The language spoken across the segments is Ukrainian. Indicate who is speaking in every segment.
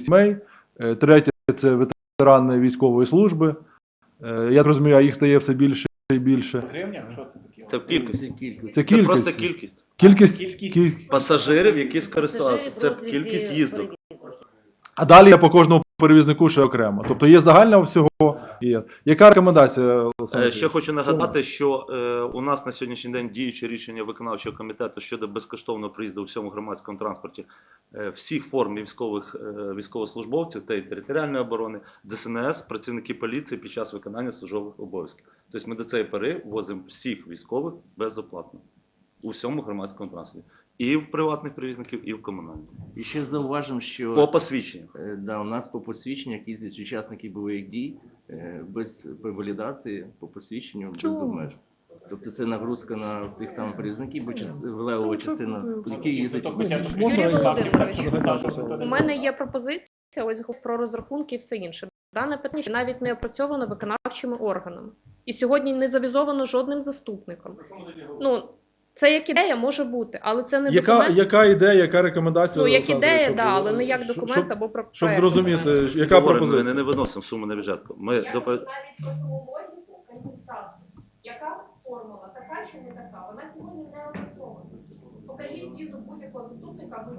Speaker 1: сімей, третє – це ветерани військової служби. Я розумію, а їх стає все більше і більше.
Speaker 2: В гривнях? Що це таке?
Speaker 3: Це в кількості.
Speaker 1: Це
Speaker 3: Це просто кількість.
Speaker 1: Кількість
Speaker 3: Пасажирів, які скористалися. Це кількість їздок.
Speaker 1: А далі по кожному перевізнику ще окремо. Тобто є загальна всього. Є. Яка рекомендація?
Speaker 3: Ще хочу нагадати, що у нас на сьогоднішній день діюче рішення виконавчого комітету щодо безкоштовного проїзду у всьому громадському транспорті всіх форм військовослужбовців та і територіальної оборони, ДСНС, працівники поліції під час виконання службових обов'язків. Тобто ми до цієї пори возимо всіх військових безоплатно у всьому громадському транспорті. І в приватних перевізників, і в комунальних.
Speaker 4: І ще зауважимо, що
Speaker 3: По посвідченню.
Speaker 4: Да, у нас по посвідченнях їздять учасники бойових дій без валідації, по посвідченню, без обмежень. Тобто це нагрузка на тих самих перевізників, бо левова частина, які їздять.
Speaker 2: Юрій
Speaker 5: Володимирович, у мене є пропозиція ось про розрахунки і все інше. Дане питання навіть не опрацьовано виконавчими органами. І сьогодні не завізовано жодним заступником. Ну, це як ідея може бути, але це не документ.
Speaker 1: Яка ідея, яка рекомендація?
Speaker 5: Ну, як ідея, да, але не як документ або проект.
Speaker 1: Щоб зрозуміти, яка пропозиція?
Speaker 3: Ми не виносимо суму на бюджет.
Speaker 5: Навіть про цю логіку компенсації. Яка формула, така чи не така? Вона сьогодні не опрацьована. Покажіть візу будь-якого заступника, або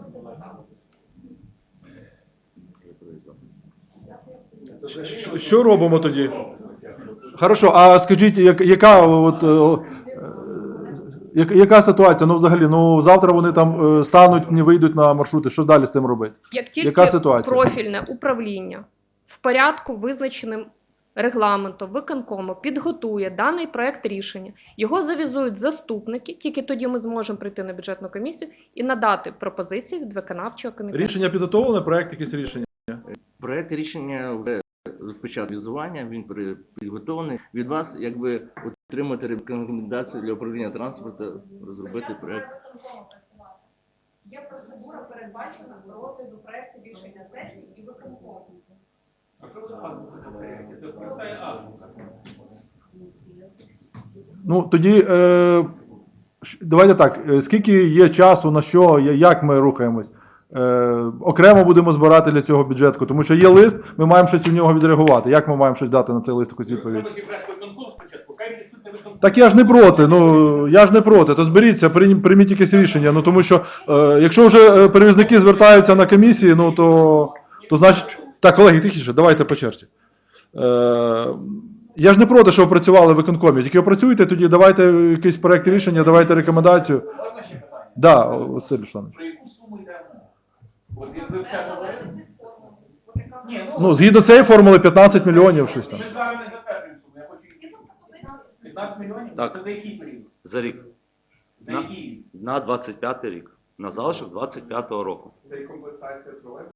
Speaker 5: депутата.
Speaker 1: Що робимо тоді? Хорошо, а скажіть, яка ситуація? Ну, взагалі, завтра вони там стануть, не вийдуть на маршрути. Що далі з цим робити?
Speaker 5: Як тільки профільне управління в порядку, визначеним регламентом, виконкому, підготує даний проект рішення, його завізують заступники, тільки тоді ми зможемо прийти на бюджетну комісію і надати пропозицію від виконавчого комітету.
Speaker 1: Рішення підготовлене, проект якесь рішення?
Speaker 4: Проект рішення вже розпочав візування, він підготовлений. Від вас, якби, отримати рекомендації для управління транспорту, розробити проект.
Speaker 5: Є процедура передбачена до розгляду проекту рішення сесії і виконкому.
Speaker 2: А що буде азбука на проєкті? Це проста азбука.
Speaker 1: Ну, тоді, давайте так, скільки є часу, на що, як ми рухаємось? Окремо будемо збирати для цього бюджетку, тому що є лист, ми маємо щось у нього відреагувати. Як ми маємо щось дати на цей лист, якусь відповідь? Так я ж не проти, то зберіться, прийміть якесь рішення, тому що, якщо вже перевізники звертаються на комісії, то значить, так, колеги, тихіше, давайте по черзі. Я ж не проти, що ви працювали в виконкомі, тільки опрацюйте, тоді давайте якийсь проект рішення, давайте рекомендацію.
Speaker 2: Можна ще питання?
Speaker 1: Да, Василь Русланович.
Speaker 2: Про яку суму йде мова? От ви все говорите.
Speaker 1: Згідно цієї формули 15 мільйонів, щось там.
Speaker 2: Ми ж зараз не затверджуємо суму, я хочу її. 15 мільйонів?
Speaker 3: Так.
Speaker 2: Це за який період?
Speaker 3: За рік.
Speaker 2: За який?
Speaker 3: На 25-й рік. На залишок 25-го року.
Speaker 6: Це і компенсація тролейбусів?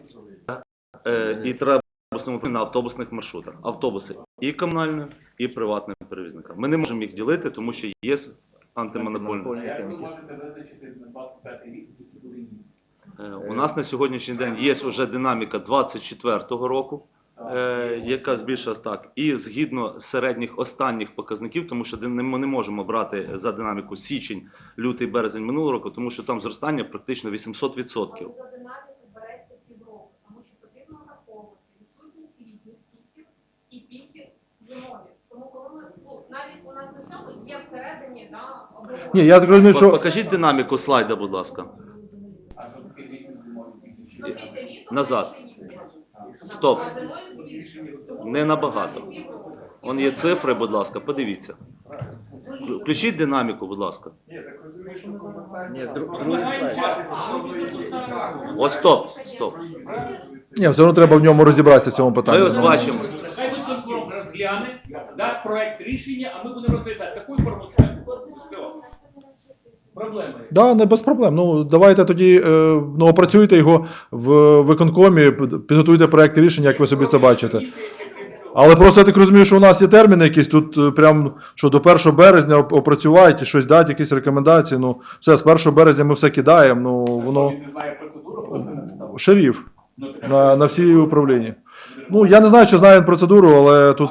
Speaker 3: І треба на автобусних маршрутах. Автобуси і комунальні, і приватним перевізникам. Ми не можемо їх ділити, тому що є антимонопольний.
Speaker 2: Як ви можете визначити на 25-й рік, скільки буде їздити?
Speaker 3: У нас на сьогоднішній день є вже динаміка 24-го року, яка збільшилась так. І згідно середніх останніх показників, тому що ми не можемо брати за динаміку січень, лютий, березень минулого року, тому що там зростання практично 800%.
Speaker 5: За динаміку береться півроку, тому що потрібно враховувати відсутність літніх піків і піків зимові. Тому коли ми, навіть у нас на цьому є всередині, обговорення.
Speaker 1: Ні, я так розумію, що...
Speaker 3: Покажіть динаміку слайда, будь ласка.
Speaker 2: А що таке літній зимовий піків?
Speaker 3: Назад. Стоп. Не набагато. Вон є цифри, будь ласка, подивіться. Включіть динаміку, будь ласка.
Speaker 6: Ні, так розумію, що компенсація...
Speaker 4: Ні, другий слайд.
Speaker 3: Ось стоп.
Speaker 1: Ні, все одно треба в ньому розібратися в цьому питанні.
Speaker 3: Ми ось бачимо.
Speaker 7: Хай виконком розгляне, дасть проект рішення, а ми будемо розглядати. Такою формою все. Проблеми.
Speaker 1: Да, не без проблем. Давайте тоді опрацюйте його в виконкомі, підготуйте проект рішення, як ви собі це бачите. Але просто я так розумію, що у нас є терміни якісь, тут прям, що до 1 березня опрацювати, щось дати, якісь рекомендації. Все, з 1 березня ми все кидаємо, воно...
Speaker 2: Він не знає процедуру, хто це написав?
Speaker 1: Шериф на всі управління. Я не знаю, чи знає він процедуру, але тут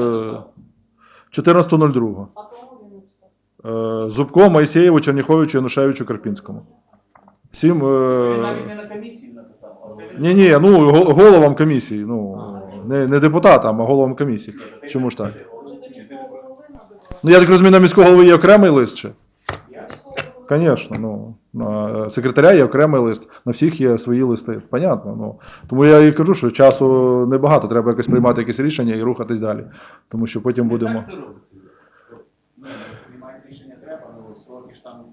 Speaker 1: 14.02. Зубко, Моїсеєву, Черніховичу, Янушевичу, Карпінському.
Speaker 2: Це навіть не на комісії написав, а
Speaker 1: Ні, ну головам комісії, ну не депутатам, а головам комісії. Чому ж так? Ну я так розумію, на міського голови є окремий лист ще? Звісно, ну на секретаря є окремий лист, на всіх є свої листи. Понятно. Ну тому я і кажу, що часу небагато, треба якось приймати якесь рішення і рухатись далі. Тому що потім будемо.
Speaker 7: Так це робиться.
Speaker 2: Приймати рішення треба, але сроки ж там...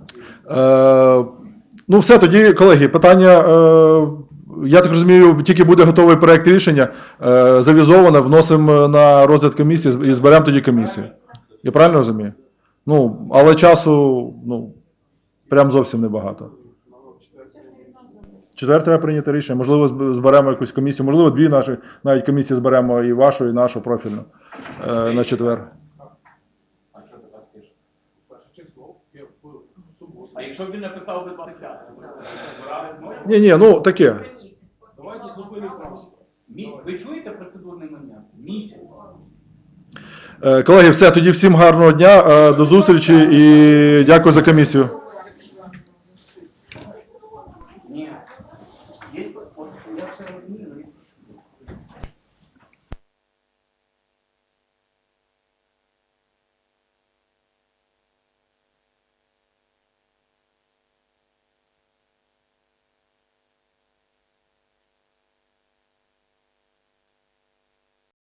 Speaker 1: Ну, все, тоді, колеги, питання, я так розумію, тільки буде готовий проект рішення, завізоване, вносимо на розгляд комісії і зберемо тоді комісію. Я правильно розумію? Ну, але часу, ну, прям зовсім небагато. Четвер треба прийняти рішення, можливо, зберемо якусь комісію, можливо, дві наші навіть комісії зберемо, і вашу, і нашу профільну на четвер.
Speaker 2: А що ти так скажеш?
Speaker 6: Перше число, я в суботу.
Speaker 2: А якщо б він написав би 25, то що, збирали б ночі?
Speaker 1: Ні, ну, таке.
Speaker 2: Давайте зупинимо просто. Ви чуєте процедурний момент? Місяць.
Speaker 1: Колеги, все, тоді всім гарного дня, до зустрічі і дякую за комісію.